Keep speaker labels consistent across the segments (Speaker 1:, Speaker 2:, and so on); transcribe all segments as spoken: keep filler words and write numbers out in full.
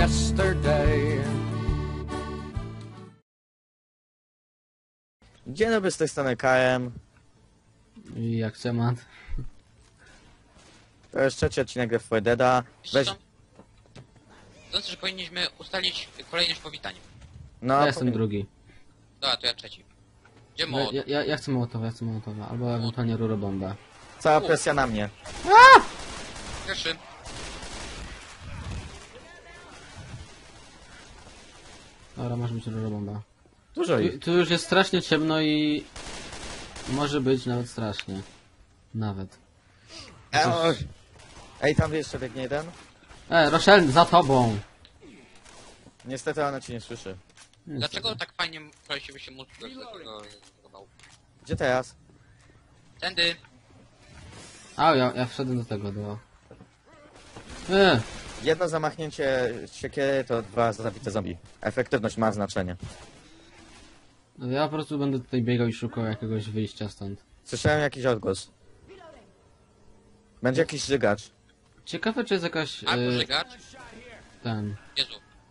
Speaker 1: yesterday.
Speaker 2: Dzień dobry, z tej strony K M.
Speaker 3: I jak temat?
Speaker 2: To jest trzeci odcinek Left four Deada. Weź...
Speaker 4: Sądzę, że powinniśmy ustalić kolejność powitań.
Speaker 2: No,
Speaker 3: Ja jestem
Speaker 2: powiem-
Speaker 3: drugi.
Speaker 4: Dobra, to ja trzeci. Gdzie
Speaker 3: Ja,
Speaker 4: mod?
Speaker 3: ja, ja, ja chcę Mołotowa, ja chcę Mołotowa, albo ewentualnie rurobombę.
Speaker 2: Cała presja na mnie.
Speaker 4: Pierwszy.
Speaker 3: Dobra, może być rurobomba.
Speaker 2: Dużo
Speaker 3: Tu,
Speaker 2: ich.
Speaker 3: tu już jest strasznie ciemno i... Może być nawet strasznie. Nawet.
Speaker 2: E, o... Ej, tam jeszcze biegnie jeden.
Speaker 3: E, Rochelle, za tobą!
Speaker 2: Niestety ona cię nie słyszy.
Speaker 4: Dlaczego tak fajnie kolesiwy się mózg do tego zbudował?
Speaker 2: Gdzie teraz?
Speaker 4: Tędy.
Speaker 3: A, ja, ja wszedłem do tego, do... E,
Speaker 2: Jedno zamachnięcie siekiery to dwa zabite zombie. Efektywność ma znaczenie.
Speaker 3: ja po prostu będę tutaj biegał i szukał jakiegoś wyjścia stąd.
Speaker 2: Słyszałem jakiś odgłos. Będzie jakiś żygacz.
Speaker 3: Ciekawe, czy jest jakaś...
Speaker 4: A,
Speaker 3: E,
Speaker 4: pożygacz.
Speaker 3: ten...
Speaker 4: Jezu.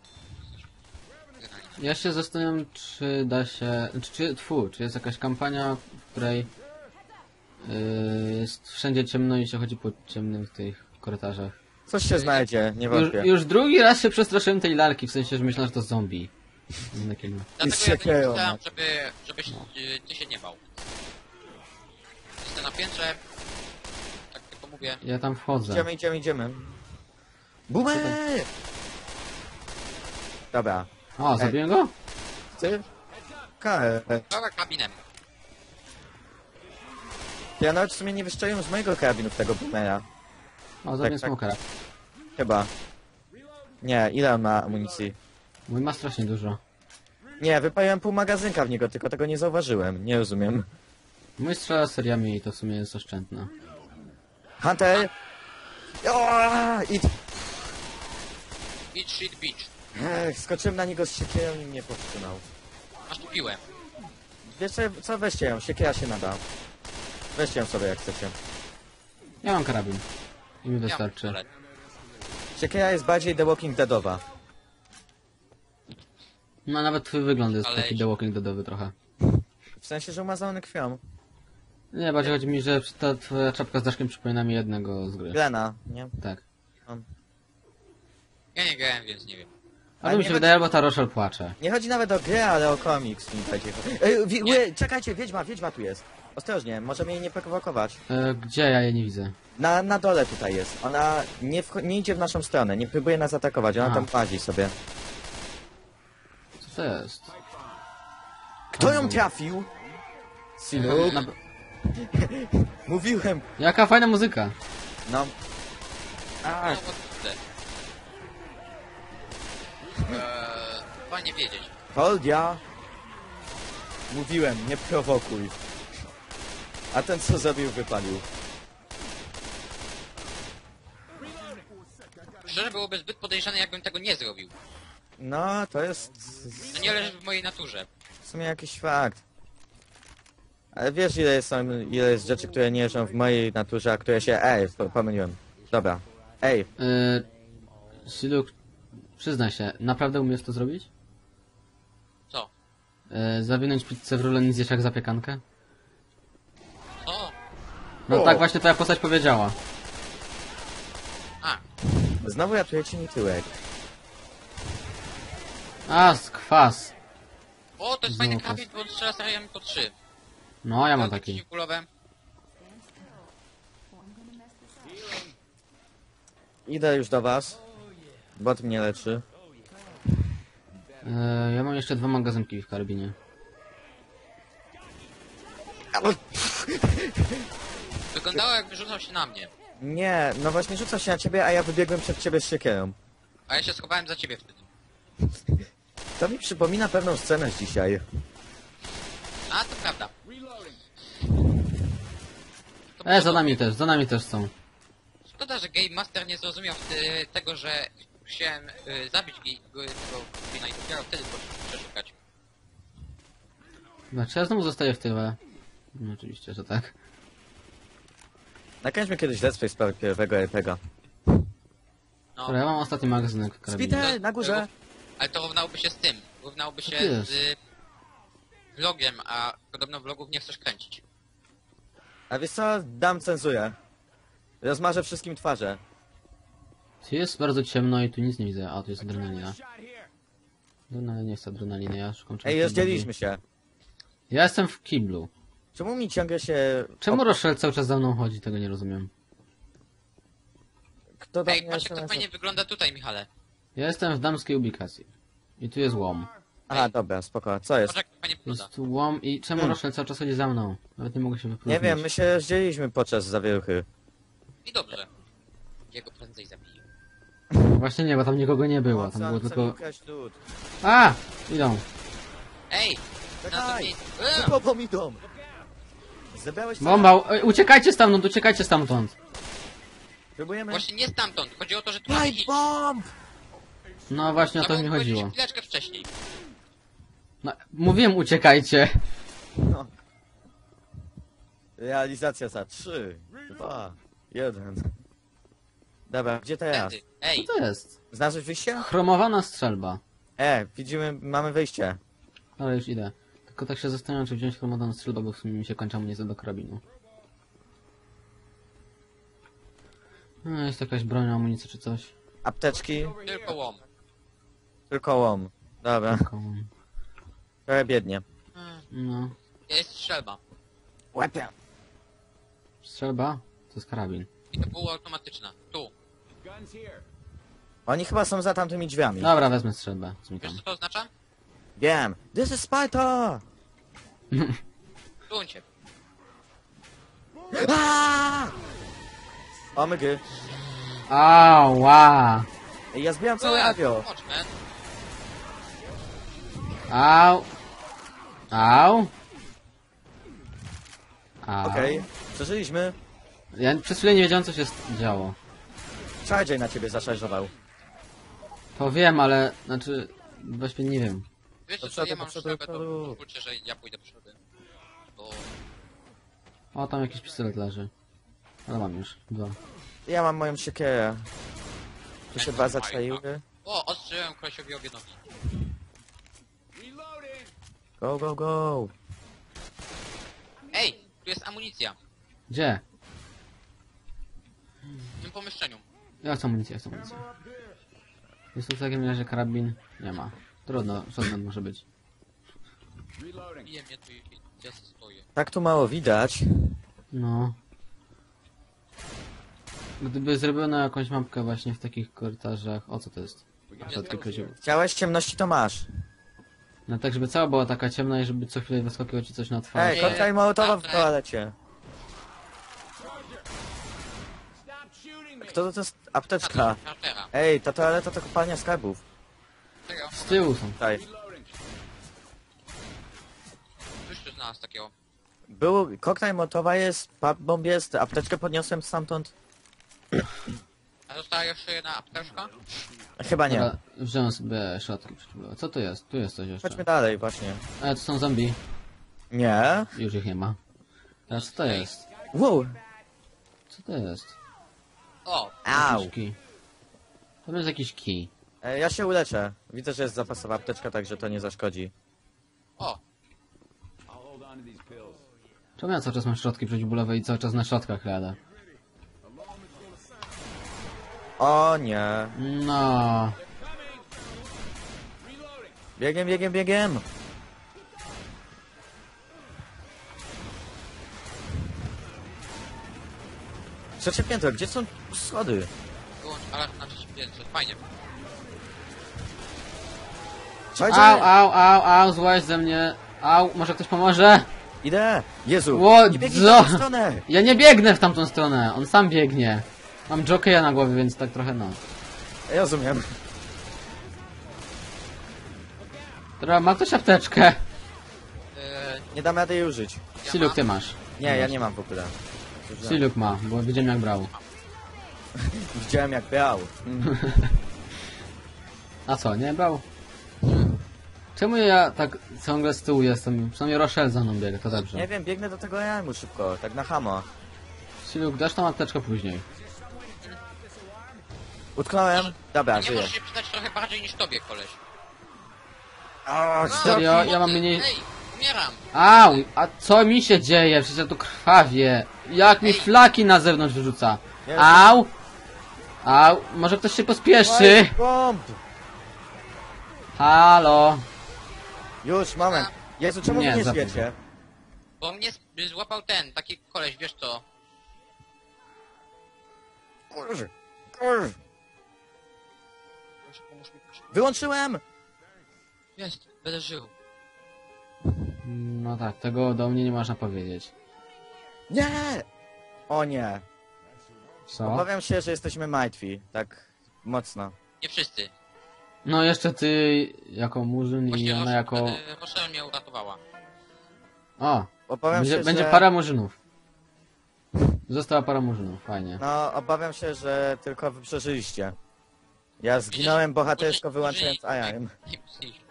Speaker 3: Ja się zastanawiam, czy da się... Czy, czy, tfu, czy jest jakaś kampania, w której yy, jest wszędzie ciemno i się chodzi po ciemnych tych korytarzach.
Speaker 2: Coś się znajdzie, nie
Speaker 3: Już,
Speaker 2: wątpię.
Speaker 3: już drugi raz się przestraszyłem tej lalki, w sensie, że myślałem, że to zombie. Takiego.
Speaker 4: Dlatego
Speaker 2: z
Speaker 4: ja to nie
Speaker 2: siekierą,
Speaker 4: pisałem,
Speaker 2: no.
Speaker 4: żeby, żebyś y, ty się nie bał. Jestem na piętrze. Tak tylko mówię.
Speaker 3: Ja tam wchodzę.
Speaker 2: Idziemy, idziemy, idziemy. Boomer! Dobra.
Speaker 3: O, zabiłem go?
Speaker 2: Ty? K M.
Speaker 4: Dobra, kabinem.
Speaker 2: Ja nawet w sumie nie wyszczeliłem z mojego karabinu w tego boomera.
Speaker 3: O, zabiłem
Speaker 2: tak.
Speaker 3: smokera.
Speaker 2: Chyba. Nie, ile on ma amunicji?
Speaker 3: Mój ma strasznie dużo.
Speaker 2: Nie, wypaliłem pół magazynka w niego, tylko tego nie zauważyłem. Nie rozumiem.
Speaker 3: Mój strzela seriami i to w sumie jest oszczędne.
Speaker 2: Hunter! O, i...
Speaker 4: Beach, shit, beach.
Speaker 2: Ech, skoczyłem na niego z siekierą i mnie powstrzymał.
Speaker 4: Masz tu piłę.
Speaker 2: Wiesz co, co, weźcie ją, siekiera się nada. Weźcie ją sobie jak chcecie.
Speaker 3: Ja mam karabin. I mi
Speaker 4: Ja mam
Speaker 3: wystarczy.
Speaker 4: pistolet.
Speaker 2: Siekiera jest bardziej The Walking Deadowa.
Speaker 3: No nawet twój wygląd jest
Speaker 4: Ale-
Speaker 3: taki The Walking Deadowy trochę.
Speaker 2: W sensie, że umazany krwią.
Speaker 3: Nie, bardziej chodzi mi, że ta twoja czapka z daszkiem przypomina mi jednego z gry.
Speaker 2: Glena, nie?
Speaker 3: Tak.
Speaker 4: Ja nie grałem, więc nie wiem.
Speaker 3: Ale
Speaker 2: Ale
Speaker 3: mi
Speaker 2: nie
Speaker 3: się
Speaker 2: chodzi-
Speaker 3: wydaje, albo ta Rochelle płacze.
Speaker 2: Nie chodzi nawet o grę, ale o komiks mi chodzi. Ej, wi- ły, czekajcie, wiedźma, wiedźma tu jest. Ostrożnie, możemy jej nie prowokować.
Speaker 3: E, gdzie ja je nie widzę?
Speaker 2: Na, na dole tutaj jest. Ona nie, wcho- nie idzie w naszą stronę, nie próbuje nas atakować, ona
Speaker 3: A.
Speaker 2: tam łazi sobie.
Speaker 3: Co to jest?
Speaker 2: Kto ją trafił? Synu?
Speaker 3: Na...
Speaker 2: Mówiłem.
Speaker 3: Jaka fajna muzyka.
Speaker 2: No.
Speaker 4: No,
Speaker 2: A,
Speaker 4: bo kurde. Eee, fajnie wiedzieć.
Speaker 2: Holdia. Mówiłem, nie prowokuj. A ten co zrobił, wypalił.
Speaker 4: Szczerze byłoby zbyt podejrzane, jakbym tego nie zrobił.
Speaker 2: No, to jest
Speaker 4: To nie leży w mojej naturze.
Speaker 2: w sumie jakiś fakt. Ale wiesz ile jest, są, ile jest rzeczy, które nie leżą w mojej naturze, a które się... Ej, po- pomyliłem. Dobra. Ej,
Speaker 3: E, Siluk, przyznaj się, naprawdę umiesz to zrobić?
Speaker 4: Co?
Speaker 3: E, zawinąć pizzę w rulę i zjeść jak zapiekankę?
Speaker 4: O!
Speaker 3: No
Speaker 2: O.
Speaker 3: tak właśnie twoja postać powiedziała.
Speaker 4: A!
Speaker 2: znowu ratujecie mi tyłek.
Speaker 3: A, skwas.
Speaker 4: O, to jest
Speaker 3: Znowu
Speaker 4: fajny
Speaker 3: pas.
Speaker 4: kabin, bo on strzela seriami po trzy.
Speaker 3: No, ja mam
Speaker 4: Takie
Speaker 3: taki.
Speaker 4: przeciwkulowe.
Speaker 2: Idę już do was. Bot mnie leczy.
Speaker 3: E, ja mam jeszcze dwa magazynki w karabinie.
Speaker 4: Wyglądało, jakby rzucał się na mnie.
Speaker 2: Nie, no właśnie rzuca się na ciebie, a ja wybiegłem przed ciebie z siekierą.
Speaker 4: A ja się schowałem za ciebie wtedy.
Speaker 2: To mi przypomina pewną scenę z dzisiaj.
Speaker 4: A, to prawda. To
Speaker 3: E, za nami też, za nami też są.
Speaker 4: Szkoda, że Game Master nie zrozumiał wtedy tego, że chciałem y, zabić gi- go- tego Gina i dopiero wtedy poszedł przeszukać.
Speaker 3: Znaczy ja znowu zostaję w tyle. No oczywiście, że tak.
Speaker 2: Nakręćmy kiedyś let's play w sprawie pierwszego R P G a.
Speaker 4: No,
Speaker 3: Dobra, ja mam ostatni magazynek karabinu.
Speaker 2: Spite, na górze!
Speaker 4: ale to równałoby się z tym. Równałoby się
Speaker 3: to jest?
Speaker 4: z vlogiem, a podobno vlogów nie chcesz kręcić.
Speaker 2: A wiesz co? Dam cenzurę. Rozmarzę wszystkim twarze.
Speaker 3: Tu jest bardzo ciemno i tu nic nie widzę. A, tu jest adrenalina. Adrenalina nie jest adrenaliny, ja szukam czegoś
Speaker 2: Ej, rozdzieliliśmy
Speaker 3: bardziej.
Speaker 2: się.
Speaker 3: Ja jestem w kiblu.
Speaker 2: Czemu mi ciągle się...
Speaker 3: Czemu
Speaker 2: o,
Speaker 3: Rochelle cały czas za mną chodzi? Tego nie rozumiem.
Speaker 2: Kto do
Speaker 4: Ej,
Speaker 2: mnie
Speaker 4: patrz jak to
Speaker 2: S M S-a?
Speaker 4: fajnie wygląda tutaj, Michale.
Speaker 3: Ja jestem w damskiej ubikacji. I tu jest łom.
Speaker 2: Aha, dobra, spoko. Co jest?
Speaker 4: Patrz jak to fajnie wygląda.
Speaker 3: Jest tu łom i czemu
Speaker 2: Hmm.
Speaker 3: Rochelle cały czas chodzi za mną? Nawet nie mogę się wypróżnić.
Speaker 2: Nie wiem, my się rozdzieliliśmy podczas zawieruchy.
Speaker 4: I dobrze. Jego prędzej zabiję.
Speaker 3: Właśnie nie, bo tam nikogo nie było. Tam
Speaker 2: Mocno,
Speaker 3: było
Speaker 2: chcę
Speaker 3: tylko...
Speaker 2: ukraść lód.
Speaker 3: A! Idą.
Speaker 4: Ej! Na to
Speaker 2: Czekaj!
Speaker 4: miejsce.
Speaker 2: Za
Speaker 4: Eee!
Speaker 2: tobą idą! Zebrałeś co?
Speaker 3: Bomba! Ej, uciekajcie stamtąd, uciekajcie stamtąd!
Speaker 2: Próbujemy?
Speaker 4: Właśnie nie stamtąd. Chodzi o to, że tu mamy
Speaker 2: Light
Speaker 4: iść.
Speaker 2: bomb!
Speaker 3: No właśnie o to
Speaker 4: Trzeba
Speaker 3: mi
Speaker 4: było powiedzieć
Speaker 3: chodziło.
Speaker 4: chwileczkę wcześniej.
Speaker 3: No, mówiłem uciekajcie.
Speaker 2: No. Realizacja za trzy, dwa, jeden. Dobra, gdzie teraz?
Speaker 4: Wtedy.
Speaker 3: Co
Speaker 4: Ej!
Speaker 3: to jest?
Speaker 2: Znalazłeś wyjście?
Speaker 3: Chromowana strzelba.
Speaker 2: E, widzimy, mamy wyjście.
Speaker 3: Ale już idę. Tylko tak się zastanawiam, czy wziąć chromowaną strzelbę, bo w sumie mi się kończy amunicja do karabinu. No, jest jakaś broń, amunicja czy coś.
Speaker 2: Apteczki,
Speaker 4: Tylko łom.
Speaker 2: tylko łom. Dobra,
Speaker 3: Taką...
Speaker 2: trochę biednie.
Speaker 4: Hmm.
Speaker 3: No.
Speaker 4: Jest strzelba.
Speaker 2: Łapie.
Speaker 3: Strzelba? To jest karabin.
Speaker 4: I to było automatyczne. Tu.
Speaker 2: Oni chyba są za tamtymi drzwiami.
Speaker 3: Dobra, wezmę strzelbę. Zmykam.
Speaker 4: Wiesz co to oznacza?
Speaker 2: Wiem. This is Sparta!
Speaker 4: Tuńcie.
Speaker 2: Aaaa! O mygy.
Speaker 3: Ała!
Speaker 2: Ej, ja zbieram całe avio.
Speaker 4: Watchmen.
Speaker 3: Au! Au! Au.
Speaker 2: Okej, przeżyliśmy.
Speaker 3: Ja przez chwilę nie wiedziałem, co się s- działo.
Speaker 2: Charger na ciebie zaszarżował.
Speaker 3: To wiem, ale... Znaczy... Właściwie nie wiem.
Speaker 4: Wiecie
Speaker 2: Do
Speaker 4: co,
Speaker 2: przodu,
Speaker 4: ja
Speaker 2: do
Speaker 4: mam
Speaker 2: przodu,
Speaker 4: strzelbę,
Speaker 2: do
Speaker 4: to
Speaker 2: przodu.
Speaker 4: pozwólcie, że ja pójdę przodem. Bo...
Speaker 3: O, tam jakiś pistolet leży. Ale mam już. Dwa.
Speaker 2: Ja mam moją siekierę. Tu się
Speaker 4: Jak
Speaker 2: dwa
Speaker 4: to
Speaker 2: zaczaiły.
Speaker 4: O, ostrzyłem kolesiowi obie nogi.
Speaker 2: Go, go, go.
Speaker 4: Ej, tu jest amunicja.
Speaker 3: Gdzie?
Speaker 4: W tym pomieszczeniu.
Speaker 3: Ja chcę amunicję, ja chcę amunicję. Jest tu w takim razie karabin? Nie ma. Trudno, shotgun może być.
Speaker 4: Bije mnie tu i i ja stoję.
Speaker 2: Tak tu mało widać.
Speaker 3: No. Gdyby zrobiono jakąś mapkę właśnie w takich korytarzach... O, co to jest? Środki kozioł.
Speaker 2: Chciałeś ciemności, to masz.
Speaker 3: No tak, żeby cała była taka ciemna i żeby co chwilę wyskakiło ci coś na twarz.
Speaker 2: Ej, kotka i mołotowa w toalecie. Kto to, to jest apteczka?
Speaker 4: Chargera.
Speaker 2: Ej, ta toaleta to kopalnia skarbów.
Speaker 4: Czego?
Speaker 3: Z tyłu są.
Speaker 2: Tutaj.
Speaker 4: Coś tu znalazł takiego.
Speaker 2: Był koktajl mołotowa jest, pipe bomb jest, apteczkę podniosłem stamtąd.
Speaker 4: A została jeszcze jedna apteczka?
Speaker 2: Chyba nie.
Speaker 3: Dobra, wziąłem sobie środki przeciwbólowe. Co to jest? Tu jest coś jeszcze.
Speaker 2: Chodźmy dalej właśnie.
Speaker 3: Ale to są zombie.
Speaker 2: Nie.
Speaker 3: Już ich nie ma. Teraz co to jest?
Speaker 2: Wow.
Speaker 3: Co to jest?
Speaker 4: O!
Speaker 2: Au.
Speaker 3: Jakiś kij. To jest jakiś kij.
Speaker 2: Ej, ja się uleczę. Widzę, że jest zapasowa apteczka, także to nie zaszkodzi.
Speaker 4: O!
Speaker 3: Czemu ja cały czas mam środki przeciwbólowe i cały czas na środkach jadę?
Speaker 2: O nie.
Speaker 3: No.
Speaker 2: Biegiem, biegiem, biegiem. Trzecie piętro, gdzie są schody?
Speaker 4: Wyłącz alarm na trzecim piętrze. Fajnie.
Speaker 2: Charger!
Speaker 3: Au, au, au, au, złaź ze mnie. Au, może ktoś pomoże?
Speaker 2: Idę! Jezu!
Speaker 3: Ło,
Speaker 2: Nie biegnij
Speaker 3: co?
Speaker 2: w tą stronę!
Speaker 3: Ja nie biegnę w tamtą stronę, on sam biegnie. Mam jokeja na głowie, więc tak trochę no.
Speaker 2: Ja rozumiem.
Speaker 3: Dobra, ma ktoś apteczkę?
Speaker 4: Eee,
Speaker 2: Nie dam rady jej użyć.
Speaker 4: ja
Speaker 3: Siluk,
Speaker 4: mam.
Speaker 3: ty masz.
Speaker 2: Nie, ja nie mam w ogóle.
Speaker 3: Siluk ma, bo widziałem jak brał.
Speaker 2: Widziałem jak brał. Mm.
Speaker 3: A co, nie brał? Czemu ja tak ciągle z tyłu jestem? Przynajmniej Rochelle za mną biega, to dobrze.
Speaker 2: Nie wiem, biegnę do tego jajmu szybko, tak na hamo.
Speaker 3: Siluk, dasz tą apteczkę później.
Speaker 2: Utknąłem? Dobra,
Speaker 4: Nie
Speaker 2: żyję.
Speaker 4: możesz się przydać trochę bardziej niż tobie, koleś.
Speaker 2: O,
Speaker 3: Serio? Ja mam mniej...
Speaker 4: Ej, umieram.
Speaker 3: Au! A co mi się dzieje? Przecież ja tu krwawię. Jak mi
Speaker 4: Ej.
Speaker 3: flaki na zewnątrz wyrzuca.
Speaker 2: Jezu.
Speaker 3: Au! Au! Może ktoś się pospieszy?
Speaker 2: Bomb!
Speaker 3: Halo!
Speaker 2: Już, moment. Jezu, czemu
Speaker 3: Nie,
Speaker 2: wy nie
Speaker 3: za
Speaker 2: żyjecie?
Speaker 4: Bo mnie z- złapał ten, taki koleś, wiesz co?
Speaker 2: Kurz, kurz.
Speaker 4: Proszę, pomóż mi, proszę.
Speaker 2: Wyłączyłem!
Speaker 4: Jest, będę żył.
Speaker 3: No tak, tego do mnie nie można powiedzieć.
Speaker 2: Nie! O nie.
Speaker 3: Co?
Speaker 2: Obawiam się, że jesteśmy martwi. Tak mocno.
Speaker 4: Nie wszyscy.
Speaker 3: No jeszcze ty jako murzyn i
Speaker 4: Właśnie
Speaker 3: ona jako...
Speaker 4: Ros- e, Rochelle mnie uratowała.
Speaker 3: O!
Speaker 2: Obawiam
Speaker 3: Będzie,
Speaker 2: się,
Speaker 3: będzie
Speaker 2: że...
Speaker 3: para murzynów. Została para murzynów, fajnie.
Speaker 2: No, obawiam się, że tylko wy przeżyliście. Ja zginąłem bohatersko wyłączając alarm.
Speaker 4: Nie myślisz.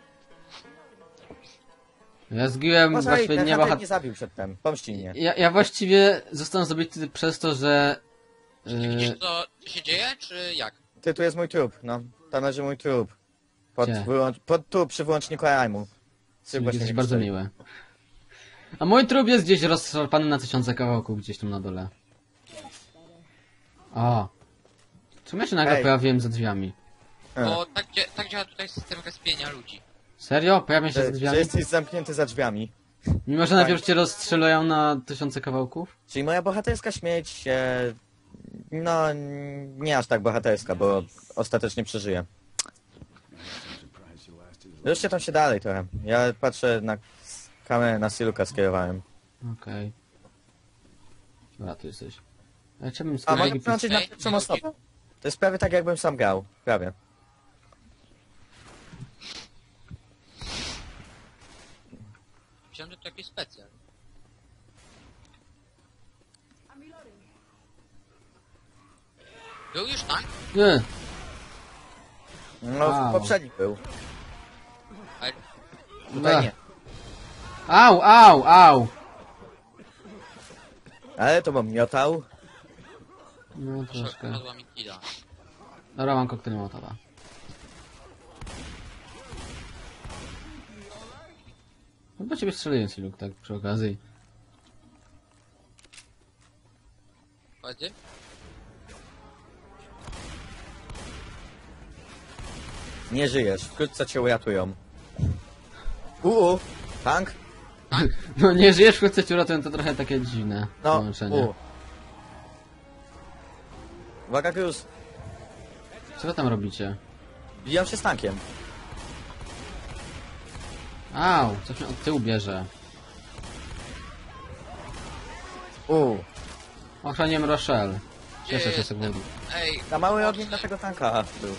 Speaker 3: Ja zgiłem
Speaker 2: Może i
Speaker 3: właściwie
Speaker 2: ten
Speaker 3: nie
Speaker 2: Hunter
Speaker 3: bohat...
Speaker 2: nie zabił przedtem. Pomści mnie.
Speaker 3: Ja, ja właściwie zostałem zabity przez to, że...
Speaker 4: Czy ty widzisz
Speaker 3: Yy,
Speaker 4: co, co się dzieje, czy jak?
Speaker 2: Ty, tu jest mój trup, no. Tam leży mój trup. Pod,
Speaker 3: Gdzie?
Speaker 2: wyłącz... Pod tu, przy wyłączniku alarmu. Ty właśnie
Speaker 3: jesteś
Speaker 2: nie
Speaker 3: bardzo
Speaker 2: widzieli.
Speaker 3: miły. A mój trup jest gdzieś rozszarpany na tysiące kawałków, gdzieś tam na dole. O! Czemu ja się nagle
Speaker 2: Ej.
Speaker 3: pojawiłem za drzwiami?
Speaker 2: E.
Speaker 4: Bo tak, dzia- tak działa tutaj system respienia ludzi.
Speaker 3: Serio? Pojawiam się za
Speaker 2: Że, że
Speaker 3: drzwiami?
Speaker 2: jesteś zamknięty za drzwiami.
Speaker 3: Mimo, że najpierw cię rozstrzelają na tysiące kawałków?
Speaker 2: Czyli moja bohaterska śmierć, e, no n- nie aż tak bohaterska, bo ostatecznie przeżyję. Ruszcie tam się dalej trochę. Ja patrzę na kamerę, na Siluka skierowałem.
Speaker 3: Okej. Dobra, tu jesteś. Ja chciałbym z
Speaker 2: A mogę
Speaker 3: kolegi... pis-
Speaker 2: włączyć na
Speaker 4: Ej,
Speaker 2: pierwszą
Speaker 4: nie
Speaker 2: osobę? To jest prawie tak jakbym sam grał. Prawie.
Speaker 4: Myślałem, że to jakiś specjal. Był już tank?
Speaker 3: Nie!
Speaker 2: No,
Speaker 3: Wow.
Speaker 2: poprzedni był.
Speaker 4: Ale
Speaker 2: Tutaj nie.
Speaker 3: Au, au, au!
Speaker 2: Ale to bym miotał.
Speaker 3: No troszkę.
Speaker 4: padła mi killa.
Speaker 3: Dobra, mam koktajl mołotowa. No bo ciebie strzeliłem, Siluk, tak przy okazji.
Speaker 4: Chodzi?
Speaker 2: Nie żyjesz. Wkrótce cię uratują. Uuu. Tank?
Speaker 3: No nie żyjesz, wkrótce cię uratują, to trochę takie dziwne
Speaker 2: No.
Speaker 3: połączenie.
Speaker 2: U. Uwaga, Cruz.
Speaker 3: Co wy tam robicie?
Speaker 2: Bijam się z tankiem.
Speaker 3: Au, coś mnie od tyłu bierze.
Speaker 2: Uuu.
Speaker 3: Ochroniłem Rochelle. Cieszę się z
Speaker 4: jestem?
Speaker 3: tego.
Speaker 4: Ej,
Speaker 2: Za mały
Speaker 4: chodź,
Speaker 2: ogień dla tego tanka był.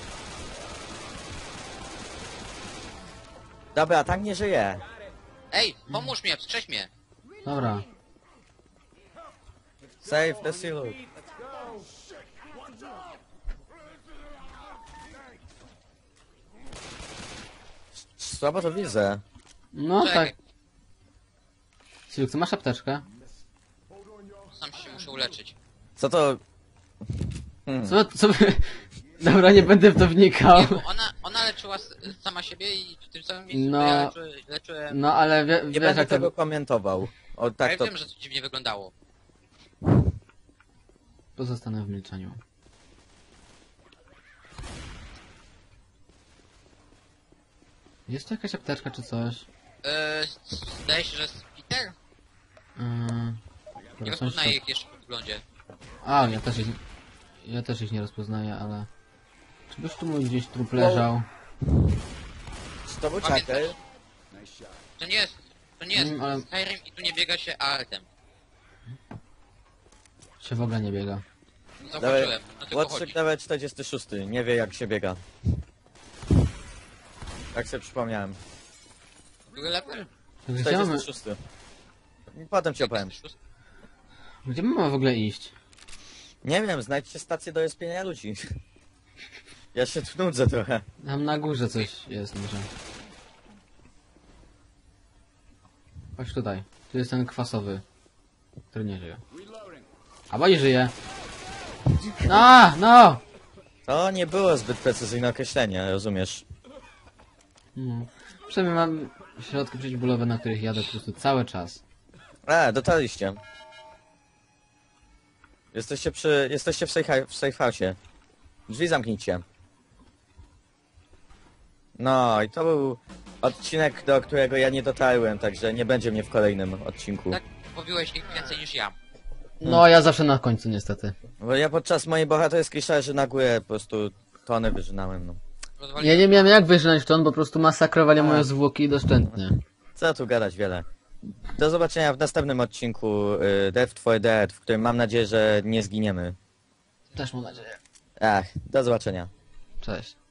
Speaker 2: Dobra, tank nie żyje.
Speaker 4: Ej, pomóż mnie, wstrzeć mnie.
Speaker 3: Dobra.
Speaker 2: Save the Siluk. Słabo to widzę.
Speaker 3: No
Speaker 4: Czekaj,
Speaker 3: tak. Siluk, ty masz apteczkę?
Speaker 4: sam się muszę uleczyć.
Speaker 2: Co to... Hmm.
Speaker 3: Co, co by... Dobra, nie będę w to wnikał.
Speaker 4: Nie, bo ona, ona leczyła s- sama siebie i w tym samym miejscu
Speaker 3: No.
Speaker 4: no. ja leczy, leczyłem...
Speaker 3: No ale wie,
Speaker 2: Nie
Speaker 3: wiesz
Speaker 2: będę
Speaker 3: jak to...
Speaker 2: tego komentował. O,
Speaker 4: Ja
Speaker 2: tak to...
Speaker 4: wiem, że to dziwnie wyglądało.
Speaker 3: Pozostanę w milczeniu. Jest tu jakaś apteczka czy coś?
Speaker 4: Eee, zdaje się, że jest Peter?
Speaker 3: Yy...
Speaker 4: Nie
Speaker 3: dobra, są
Speaker 4: rozpoznaję
Speaker 3: jeszcze-
Speaker 4: ich jeszcze po wyglądzie.
Speaker 3: A, ja też ich... Ja też ich nie rozpoznaję, ale... Czy byś tu mój gdzieś trup leżał?
Speaker 2: Czy to był
Speaker 4: Pamiętasz?
Speaker 2: Chucker?
Speaker 4: To nie jest... To nie jest
Speaker 3: Mm, ale-
Speaker 4: Skyrim i tu nie biega się altem.
Speaker 3: Się w ogóle nie biega.
Speaker 4: Zauważyłem, no tylko
Speaker 2: Łotrzyk
Speaker 4: chodzi.
Speaker 2: nawet czterdziesty szósty. Nie wie jak się biega. Tak sobie przypomniałem.
Speaker 4: Drugi level?
Speaker 3: Gdzie mamy,
Speaker 2: czterdziesty szósty. Potem ci opowiem.
Speaker 3: gdzie my mamy w ogóle iść?
Speaker 2: Nie wiem, znajdźcie stację do respienia ludzi. Ja się tu nudzę trochę.
Speaker 3: Tam na górze coś jest może. Chodź tutaj. Tu jest ten kwasowy, który nie żyje. A bo i żyje. No, no!
Speaker 2: To nie było zbyt precyzyjne określenie, rozumiesz?
Speaker 3: No. Przynajmniej mam środki przeciwbólowe, na których jadę po prostu cały czas.
Speaker 2: E, dotarliście. Jesteście przy... Jesteście w safe, w safe house'ie. Drzwi zamknijcie. No i to był odcinek, do którego ja nie dotarłem, także nie będzie mnie w kolejnym odcinku.
Speaker 4: Tak mówiłeś ich więcej niż ja.
Speaker 3: No, ja zawsze na końcu niestety.
Speaker 2: Bo ja podczas mojej bohaterskiej szarży na górę po prostu tonę wyżynałem, no.
Speaker 4: Rozwaliłem-
Speaker 3: Ja nie miałem jak wyżynąć w ton, bo po prostu masakrowali
Speaker 2: A.
Speaker 3: moje zwłoki doszczętnie.
Speaker 2: Co tu gadać wiele. Do zobaczenia w następnym odcinku y, Death for Dead, w którym mam nadzieję, że nie zginiemy.
Speaker 3: Też mam nadzieję.
Speaker 2: Ach, do zobaczenia.
Speaker 3: Cześć.